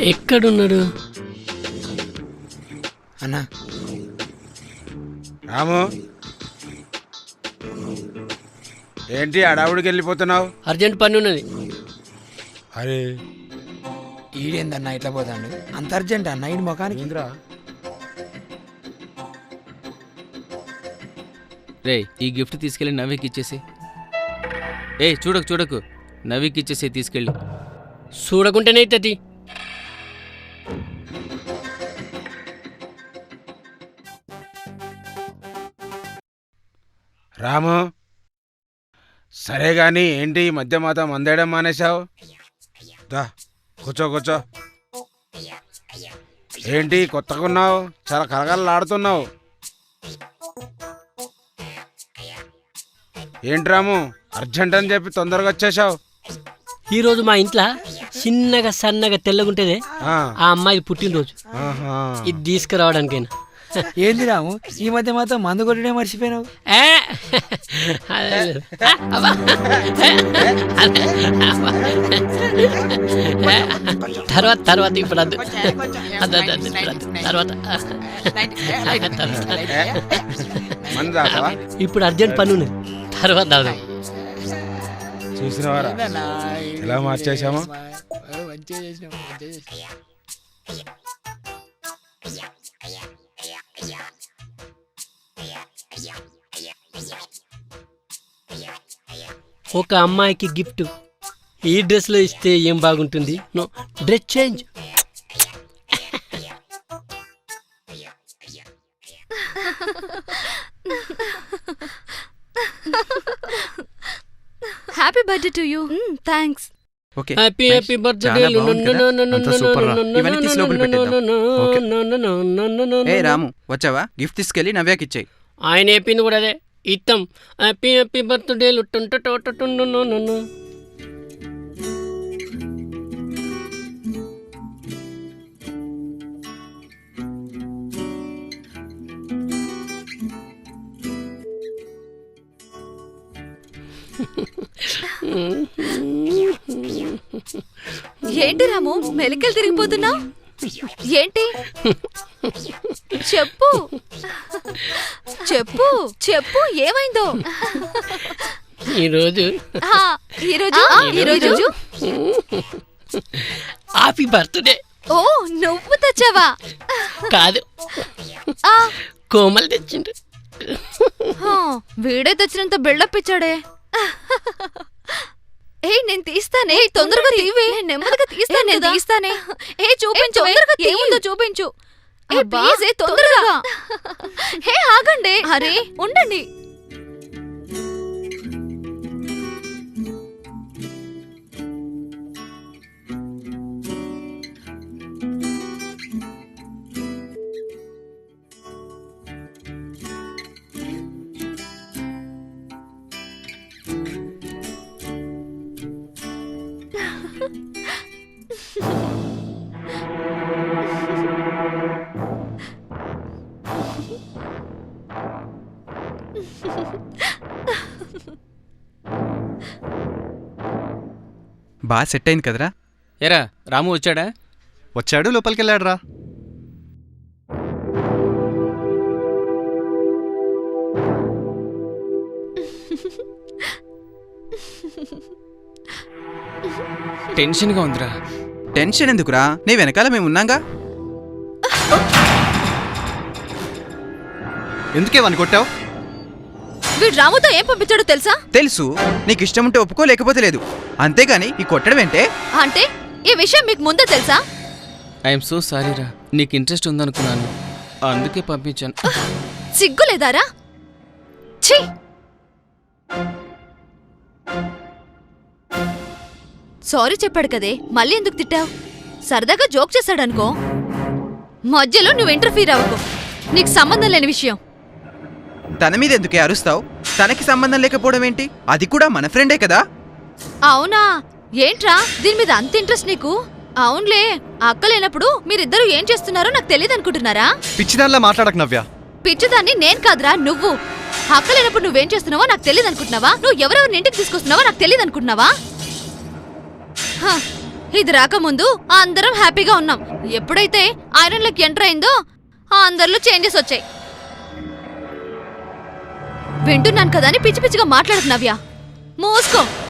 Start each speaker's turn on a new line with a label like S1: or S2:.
S1: ఎక్కడున్నాడు
S2: అన్నా?
S3: రాము, ఏంటి అడావుడికి వెళ్ళిపోతున్నావు?
S1: అర్జెంట్ పని ఉన్నది.
S3: అరే
S2: ఈడేందన్నా ఇట్లా పోతాడు? అంత అర్జెంట్ అన్న ఈడి ముఖానికి?
S4: రే, ఈ గిఫ్ట్ తీసుకెళ్ళి నవ్వికి ఇచ్చేసి. చూడకు నవ్వికి ఇచ్చేసి తీసుకెళ్ళి.
S1: చూడకుంటేనే అవుతుంది.
S3: రాము, సరే గాని ఏంటి ఈ మధ్య మాత మందేయడం మానేశావు? దా కూర్చో. ఏంటి కొత్తగా ఉన్నావు? చాలా కలగలలాడుతున్నావు. ఏంటి రాము, అర్జెంట్ అని చెప్పి తొందరగా వచ్చేసావు?
S1: ఈరోజు మా ఇంట్లో చిన్నగా సన్నగా తెల్లగుంటేదే
S3: ఆ
S1: అమ్మాయి పుట్టినరోజు.
S3: ఆహా.
S1: ఇది తీసుకురావడానికైనా.
S2: ఏంది రాము, ఈ మధ్య మాత్రం మందు కొట్టడే మర్చిపోయినావు?
S1: తర్వాత ఇప్పుడు అద్దు. తర్వాత
S3: మందు తాగుతావా?
S1: ఇప్పుడు అర్జెంట్ పని ఉన్నది, తర్వాత తాగుదాం.
S3: చూసినవారా ఎలా మార్చేసామో?
S1: ఒక అమ్మాయికి గిఫ్ట్ ఈ డ్రెస్లో ఇస్తే ఏం బాగుంటుంది? No, dress change.
S5: Happy birthday to you. Thanks.
S4: Okay,
S1: happy birthday.
S4: Ramu వచ్చావా? గిఫ్ట్ తీసుకెళ్ళి నవ్యాకి ఇచ్చాయి.
S1: ఆయన చెప్పింది కూడా అదే, ఇత్తం. Happy birthday.
S5: ఏంటి రాము, మెలికలు తిరిగిపోతున్నావు? ఏంటి? చెప్పు చెప్పు చెప్పు, ఏమైందో?
S1: ఈరోజు హ్యాపీ బర్త్డే.
S5: ఓ, నువ్వు తెచ్చావా?
S1: కాదు, కోమల్ తెచ్చిండు.
S5: వీడే తెచ్చినంత బిల్డప్ ఇచ్చాడే. నేను తీస్తానే, తొందరగా తీవే. నెమ్మదిగా తీస్తానే. చూపించు, తొందరగా ఏముందో చూపించు. ప్లీజ్ తొందరగా. ఆగండి. అరే ఉండండి.
S6: బాగా సెట్ అయింది కదరా?
S4: ఏరా, రాము వచ్చాడా?
S6: వచ్చాడు, లోపలికి వెళ్ళాడు రా.
S4: టెన్షన్గా ఉందిరా.
S6: టెన్షన్ ఎందుకురా, నీ వెనకాల మేము ఉన్నాగా. ఎందుకే వాన్ని కొట్టావు?
S5: వీడు రాముతో ఏం పంపించాడో తెలుసా?
S6: తెలుసు. నీకు ఇష్టం ఉంటే ఒప్పుకో, లేకపోతే లేదు. అంతేగాని ఈ కొట్టడం ఏంటే?
S5: అంటే ఈ విషయం మీకు ముందే తెలుసా?
S4: ఐఎమ్ సో సారీరా, నీకు ఇంట్రెస్ట్ ఉందనుకున్నాను, అందుకే పంపించాను.
S5: సిగ్గులేదారా? ఛీ! సారీ చెప్పాడు కదే, మళ్ళీ ఎందుకు తిట్టావు? సరదాగా జోక్ చేశాడనుకో. మధ్యలో నువ్వు ఇంటర్ఫీర్ అవ్వకు, నీకు సంబంధం లేని విషయం.
S6: తన మీద ఎందుకే అరుస్తావు? తనకి సంబంధం లేకపోవడం ఏంటి? అది కూడా మన ఫ్రెండే కదా.
S5: అవునా? ఏంట్రా దీని మీద అంత ఇంట్రెస్ట్ నీకు? అవునులే, అక్క లేనప్పుడు మీరిద్దరూ ఏం చేస్తున్నారో నాకు తెలియదు అనుకుంటున్నారా?
S6: పిచ్చిదానిలా మాట్లాడకు నవ్య.
S5: పిచ్చిదాన్ని నేను కాదురా, నువ్వు. అక్క లేనప్పుడు నువ్వేం చేస్తున్నావో నాకు తెలియదు అనుకుంటున్నావా? నువ్వు ఎవరెవరిని ఇంటికి తీసుకొస్తున్నావో నాకు తెలియదు అనుకుంటున్నావా? ఇది రాకముందు అందరం హ్యాపీగా ఉన్నాం. ఎప్పుడైతే ఐరన్లోకి ఎంటర్ అయిందో అందరిలో చేంజెస్ వచ్చాయి. వింటున్నాను కదా అని పిచ్చి పిచ్చిగా మాట్లాడుతున్నావ్యా. మూసుకో.